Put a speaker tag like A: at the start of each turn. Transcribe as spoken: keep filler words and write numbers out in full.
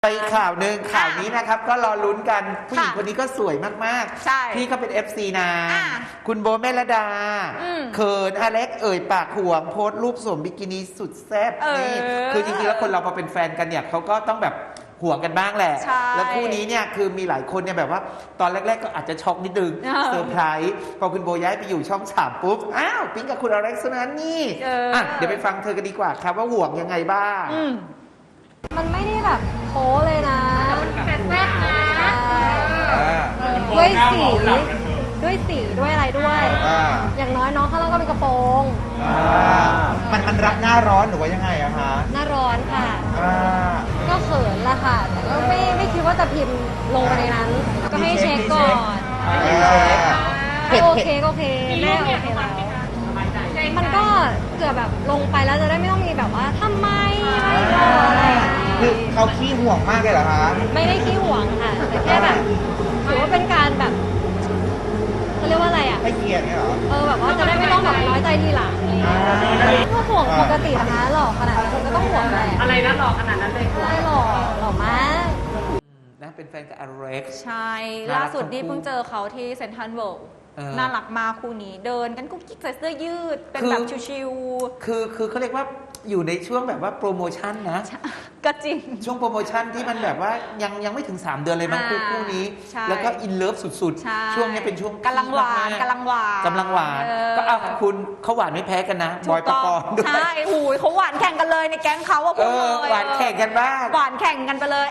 A: ไปข่าวหนึ่งข่าวนี้นะครับก็รอลุ้นกันผู้หญิง
B: ค่ะ
A: คนนี้ก็สวยมาก
B: ใช่
A: ๆพี่ก็เป็น เอฟ ซี นะ
B: อ่ะ
A: คุณโบเมลดา
B: อืม
A: เขินอเล็กเอ่ยปากห่วงโพสต์รูปสวมบิกินี่สุดแซ่บ
B: เออ
A: นี่คือจริงๆแล้วคนเราพอเป็นแฟนกันเนี่ยเขาก็ต้องแบบห่วงกันบ้างแหละ
B: ใช่
A: แล้วคู่นี้เนี่ยคือมีหลายคนเนี่ยแบบว่าตอนแรก ๆ ก็อาจจะช็อกนิดนึง
B: เออ
A: เซอร์ไพรส์พอคุณโบย้ายไปอยู่ช่องสามปุ๊บอ้าวปิ๊งกับคุณอเล็กซ์นั้นนี่
B: เอออ่
A: อ่ะเดี๋ยวไปฟังเธอกันดีกว่าครับว่าห่วงยังไงบ้าง
B: อืม
C: มันไม่ได้แบบโป๊เลยนะ
B: แซ่บนะ
C: ด้วยสีด้วยสีด้วยอะไรด้วย
D: อ่า
C: อย่างน้อยน้องข้างล่างก็เป็นกระโปรง
D: อ่ามันมันรับหน้าร้อนหรือว่ายังไงอะคะ
C: หน้าร้อนค่ะ
D: อ่า
C: ก็เขินละค่ะ แต่ก็ไม่ไม่คิดว่าจะพิมพ์ลงไปในนั้น ก็ให้เช็คก่อน
D: อ่า
C: ให้โอเคก็โอเคแม่โอเคแล้วมันก็เกิดแบบลงไปแล้วจะได้ไม่ต้องมีแบบว่าทำไมไม่รออะไรอย่างงี้
D: คือเขาขี้ห่วงมากเลยเหรอคะ
C: ไม่ได้ขี้หวงค่ะ แต่แค่แบบถือว่าเป็นการแบบเขาเรียกว่าอะไรอ่ะ
D: ให้เกียรติเนี่ยเหรอ
C: เออแบบว่าจะได้ไม่ต้องแบบน้อยใจทีหลังอะไรอย่างเงี้ยก็ห่วงปกตินะคะหล่อขนาดนั้นก็ต้องห่วงแหละ
B: อะไรนะหล่อขนาดนั้นเลย
C: ใช่หล่อหล่อมาก
A: นะเป็นแฟนกับอเล็กซ์
B: ใช่
A: น่ารัก
B: ล่าสุดนี่
A: ทั้งคู่
B: เพิ่งเจอเขาที่เซ็นทรัลเวิลด์
A: เออ
B: น่ารักมากคู่นี้เดินกันกุ๊กกิ๊กใส่เสื้อยืด เป็น
A: คือ
B: แบบชิว
A: คือคือเขาเรียกว่าอยู่ในช่วงแบบว่าโปรโมชั่นนะ
B: ๆ ก็จริง
A: ช่วงโปรโมชั่นที่มันแบบว่ายังยังไม่ถึง สาม เดือนเลยมั้ง
B: อ่า
A: คู่คู่นี้
B: ใช่
A: แล้วก็อินเลิฟสุด
B: ใช่
A: ๆ ช่วงนี้เป็นช่วง
B: กำลังหวาน
A: พีคม
B: กำลังหวาน
A: กำลังหวาน
B: เออ
A: ก็เอาคุณเขาหวานไม่แพ้กันนะ บอยปกรณ์ด้วย
B: ใช่โอ้ยเขาหวานแข่งกันเลยในแก๊งเขาอะพ
A: เอ
B: วกเล
A: อย หวานแข่งกันบ้าง
B: หวานแข่งกันไปเลย